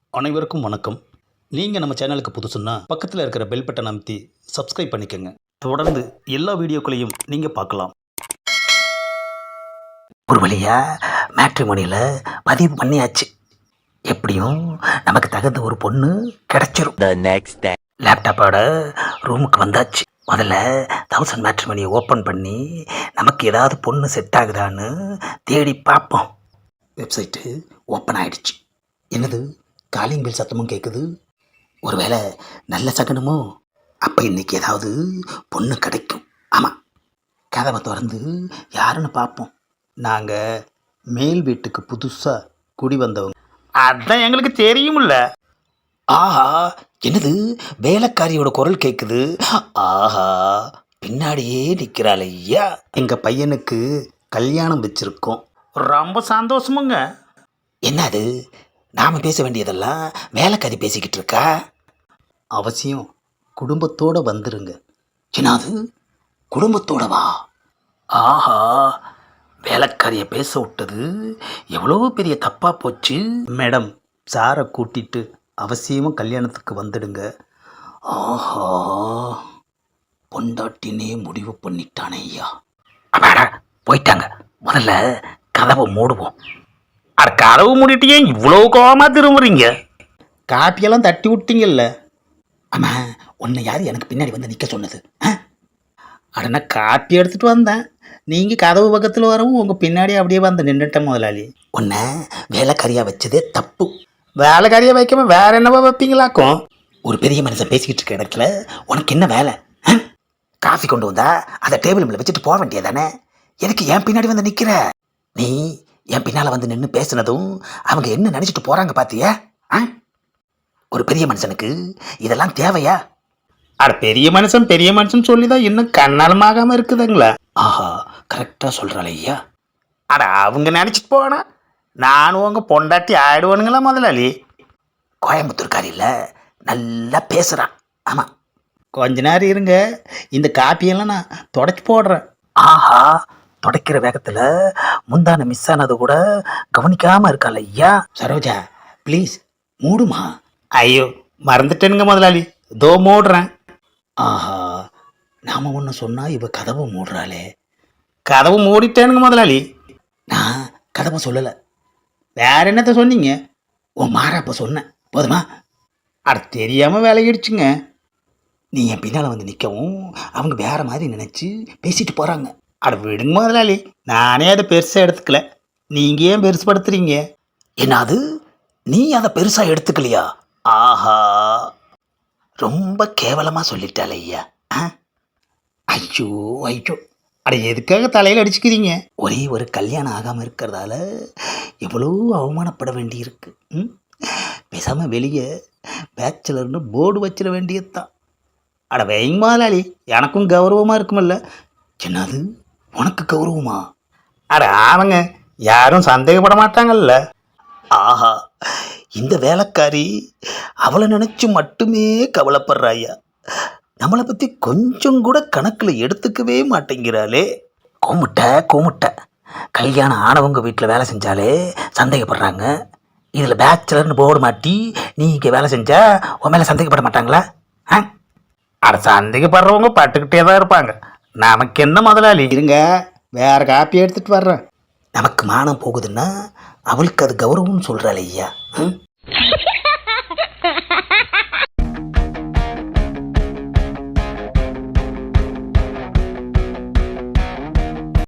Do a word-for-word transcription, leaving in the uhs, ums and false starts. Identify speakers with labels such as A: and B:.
A: அனைவருக்கும் வணக்கம். நீங்கள் நம்ம சேனலுக்கு புதுசுன்னா பக்கத்தில் இருக்கிற பெல் பட்டன் அமைத்தி சப்ஸ்கிரைப் பண்ணிக்கோங்க. தொடர்ந்து எல்லா வீடியோக்களையும் நீங்கள் பார்க்கலாம்.
B: ஒரு வழியா மேட்ரிமோனியில் பதிவு பண்ணியாச்சு. எப்படியும் நமக்கு தகுந்த ஒரு பொண்ணு கிடைச்சிரும்.
C: The next day.
B: லேப்டாப்போட ரூமுக்கு வந்தாச்சு. முதல்ல தௌசண்ட் மேட்ரிமோனியை ஓப்பன் பண்ணி நமக்கு ஏதாவது பொண்ணு செட் ஆகுதான்னு தேடி பார்ப்போம். வெப்சைட்டு ஓப்பன் ஆயிடுச்சு. என்னது காலிங் பில் சத்தமும் கேட்குது. ஒருவேளை நல்ல சகனமோ? அப்போ இன்னைக்கு ஏதாவது பொண்ணு கிடைக்கும். ஆமாம், கதவை திறந்து யாருன்னு பார்ப்போம். நாங்கள் மேல் வீட்டுக்கு புதுசாக குடி வந்தவங்க.
A: அதான் எங்களுக்கு தெரியுமில்ல.
B: ஆஹா, என்னது வேலைக்காரியோட குரல் கேட்குது. ஆஹா, பின்னாடியே நிற்கிறாள் ஐயா.
A: எங்கள் பையனுக்கு கல்யாணம் வச்சுருக்கோம். ரொம்ப சந்தோஷமுங்க.
B: என்னது நாம் பேச வேண்டியதெல்லாம் வேலைக்காரி பேசிக்கிட்டு இருக்கா?
A: அவசியம் குடும்பத்தோடு வந்துருங்க.
B: என்னது குடும்பத்தோட வா? ஆஹா, வேலைக்காரியை பேச விட்டது எவ்வளோ பெரிய தப்பாக போச்சு.
A: மேடம், சாரை கூட்டிட்டு அவசியமாக கல்யாணத்துக்கு வந்துடுங்க.
B: ஆஹா, பொண்டாட்டினே முடிவு பண்ணிட்டானே ஐயா. அப்பாடா, போயிட்டாங்க. முதல்ல கதவை மூடுவோம்.
A: அட, கதவு மூடிட்டு ஏன் இவ்வளோ கோவமாக திரும்புறீங்க? காப்பியெல்லாம் தட்டி விட்டீங்கல்ல.
B: ஆமாம், உன்னை யார் எனக்கு பின்னாடி வந்து நிற்க சொன்னது? ஆ,
A: அடனா காப்பி எடுத்துகிட்டு வந்தேன். நீங்கள் கதவு பக்கத்தில் வரவும் உங்கள் பின்னாடி அப்படியே வந்து நின்றுட்டேன் முதலாளி.
B: உன்னை வேலைக்காரியாக வச்சதே தப்பு.
A: வேலைக்காரியை வைக்காம வேற என்னவா வைப்பீங்களாக்கும்?
B: ஒரு பெரிய மனுஷன் பேசிக்கிட்டு இருக்க இடத்துல உனக்கு என்ன வேலை? ஆ? காஃபி கொண்டு வந்தா அதை டேபிள் மேலே வச்சுட்டு போக வேண்டியதானே? எதுக்கு என் பின்னாடி வந்து நிற்கிற? நீ என் பின்னால் வந்து நின்று பேசுனதும் அவங்க என்ன நினச்சிட்டு போகிறாங்க பார்த்தியா? ஆ, ஒரு பெரிய மனுஷனுக்கு இதெல்லாம் தேவையா?
A: அட, பெரிய மனுஷன் பெரிய மனுஷன் சொல்லி தான் இன்னும் கண்ணாலமாகாமல் இருக்குதுங்களா?
B: ஆஹா, கரெக்டாக சொல்கிறாள் ஐயா.
A: அட, அவங்க நினச்சிட்டு போனா நானும் உங்கள் பொண்டாட்டி ஆயிடுவானுங்களா முதலாளி?
B: கோயம்புத்தூர்காரியில் நல்லா பேசுகிறான். ஆமாம்,
A: கொஞ்ச நேரம் இருங்க, இந்த காப்பியெல்லாம் நான் தொடச்சி போடுறேன்.
B: ஆஹா, துடைக்கிற வேகத்தில் முந்தான மிஸ் ஆனது கூட கவனிக்காமல் இருக்காள் ஐயா. சரோஜா, ப்ளீஸ் மூடுமா.
A: ஐயோ, மறந்துட்டேனுங்க முதலாளி, தோ மூடுறேன்.
B: ஆஹா, நாம் ஒன்று சொன்னால் இவ கதவை மூடுறாளே.
A: கதவு மூடிட்டேனுங்க முதலாளி.
B: நான் கதவை சொல்லலை.
A: வேற என்னத்த சொன்னீங்க?
B: உன் மாறாப்ப சொன்னேன், போதுமா?
A: அட, தெரியாமல் வேலையிடுச்சுங்க.
B: நீ என் பின்னால் வந்து நிற்கவும் அவங்க வேற மாதிரி நினச்சி பேசிட்டு போகிறாங்க.
A: அட, விடுங்க முதலாளி, நானே அதை பெருசாக எடுத்துக்கல. நீங்கள் ஏன் பெருசுப்படுத்துறீங்க?
B: என்னது, நீ அதை பெருசாக எடுத்துக்கலையா? ஆஹா, ரொம்ப கேவலமாக சொல்லிட்டாள் ஐயா. ஆ, ஐயோ ஐயோ.
A: அட, எதுக்காக தலையில் அடிச்சுக்கிறீங்க?
B: ஒரே ஒரு கல்யாணம் ஆகாமல் இருக்கிறதால எவ்வளோ அவமானப்பட வேண்டியிருக்கு. ம், பேசாமல் வெளியே பேச்சுலர்னு போர்டு வச்சிட வேண்டியது தான்.
A: அட, வைங்க முதலாளி, எனக்கும் கௌரவமாக இருக்குமில்ல.
B: என்னது, உனக்கு கௌரவமா?
A: அட ஆமாங்க, யாரும் சந்தேகப்பட மாட்டாங்கல்ல.
B: ஆஹா, இந்த வேலைக்காரி அவளை நினச்சி மட்டுமே கவலைப்படுறாயா. நம்மளை பற்றி கொஞ்சம் கூட கணக்கில் எடுத்துக்கவே மாட்டேங்கிறாளே. கோமுட்டை கோமுட்டை, கல்யாணம் ஆனவங்க வீட்டில் வேலை செஞ்சாலே சந்தேகப்படுறாங்க. இதில் பேச்சுலர்னு போர்டு மாட்டி நீ இங்கே வேலை செஞ்சா உன் மேலே சந்தேகப்பட மாட்டாங்களா? ஆ,
A: அட, சந்தேகப்படுறவங்க பட்டுக்கிட்டே தான் இருப்பாங்க. நமக்கு என்ன முதலாளி? இருங்க, வேற காப்பி எடுத்துகிட்டு வர்றேன்.
B: நமக்கு மானம் போகுதுன்னா அவளுக்கு அது கௌரவம்னு சொல்கிறாள் ஐயா. ம்,